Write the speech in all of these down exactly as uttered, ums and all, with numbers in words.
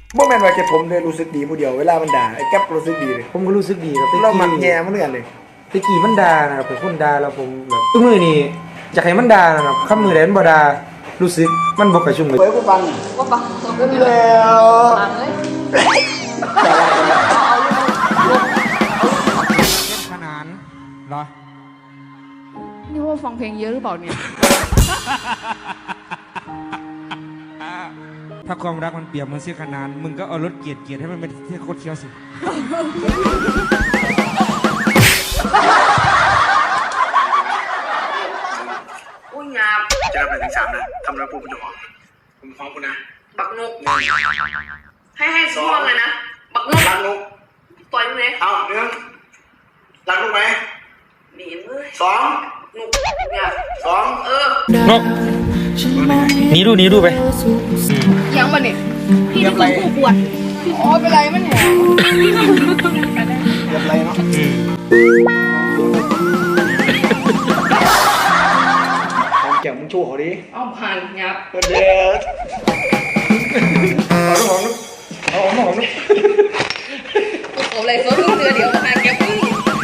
โมเมนต์ว่าแค่ผมเลยรู้สึกดีผู้เดียวเวลามันด่าไอ้แก๊ปรู้สึกดีเลยผมก็รู้สึกดีครับเราหมักแง่มันเหมือนกันเลยตะกี้มันด่านะครับเป็นคนด่าแล้วผมแบบทุกมือนี่อยากให้มันด่านะครับคำมือใดมันบ่ด่ารู้สึกมันบ่กระชุ่มเลยเปิดกูฟังว่าปังแล้วปังเลยเป็นขนาดเหรอนี่ว่าฟังเพลงเยอะหรือเปล่าเนี่ยถ้าความรักมันเปรียบเหมือนเสื้อขนานมึงก็เอารถเกียร์เกียร์ให้มันเป็นเสื้อโคตรเคี้ยวสิอุ้ยงามจะรับหนึ่งถึงสามนะทำแล้วปุ๊บมันจะออกผมฟ้องคุณนะบักนกให้ให้สองเลยนะ บักนกรักนุกต่อยมึงเลยเอาเรื่องรักนุกไหมหนีมึงสองนกเนี่ยสองเออนกหนีดูหนีดูไปยังปะเนี่ยพี่นี่คือผู้ปวดอ๋อเป็นไรมันแหงเรียบไรเนาะหอมแก้มมึงโชว์เขาดิเอาผ่านยับเด็ดเอาหอมนุกเอาหอมหอมนุกกูเขาเลยเขาเดือเดียวผ่านแกมึง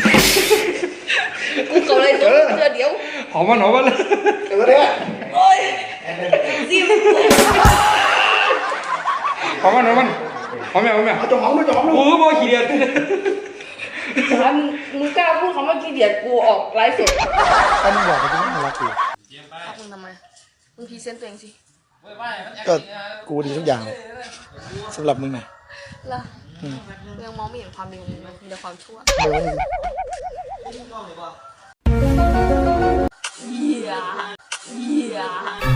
กูเขาเลยเขาเดือเดียวหอมมันหอมมันเลยเดี๋ยวเนี่ยโอ้ยซิมหอมมันหอมมันหอมแม่หอมแม่เอาจงหอมด้วยจงหอมด้วยโอ้โหโมขี้เดียดถ้ามึงกล้าพูดคำว่าขี้เดียดกูออกไลฟ์สดถ้ามึงบอกไปจะไม่รักกูพักมึงทำไมมึงพรีเซนต์ตัวเองสิก็กูดีทุกอย่างสำหรับมึงนะล่ะยังมองไม่เห็นความดีของมึงเลยมีแต่ความชั่วเดี๋ยวมึงเหี้ยเหี้ย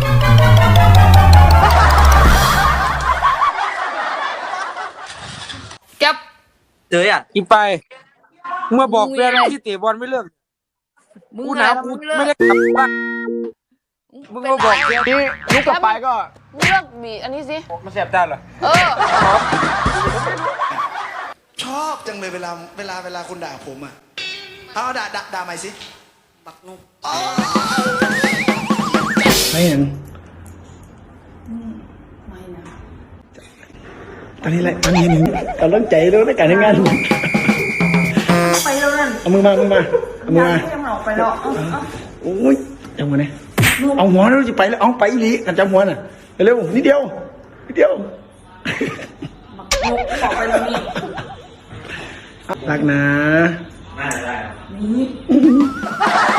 แก๊ปเจออ่ะอีไปเมื่อบอกเพื่อนที่เตะบอลไม่เลิกมึงกูหนาวกูไม่ได้กลับบ้านมึงมาบอกเพื่อนนี่ลุกกลับไปก็มึงเลือกบีอันนี้สิมันแสบด้านเหรอเออชอบจังเลยเวลาเวลาเวลาคุณด่าผมอ่ะเอาด่าด่าด่าใหม่สิบักนุกไม่เห็นตอนนี้แหละตอนนี้หนึ่งกำลังใจแล้วในการทำงานไปแล้วนั่นเอามือมามือมาเอามือมายังออกไปแล้วโอ้ยจังหวะนี้เอาหัวแล้วจะไปแล้วเอาไปอีหลีกันจังหัวน่ะเร็วนิดเดียวนิดเดียวนุกออกไปแล้วนี่รักนะนี่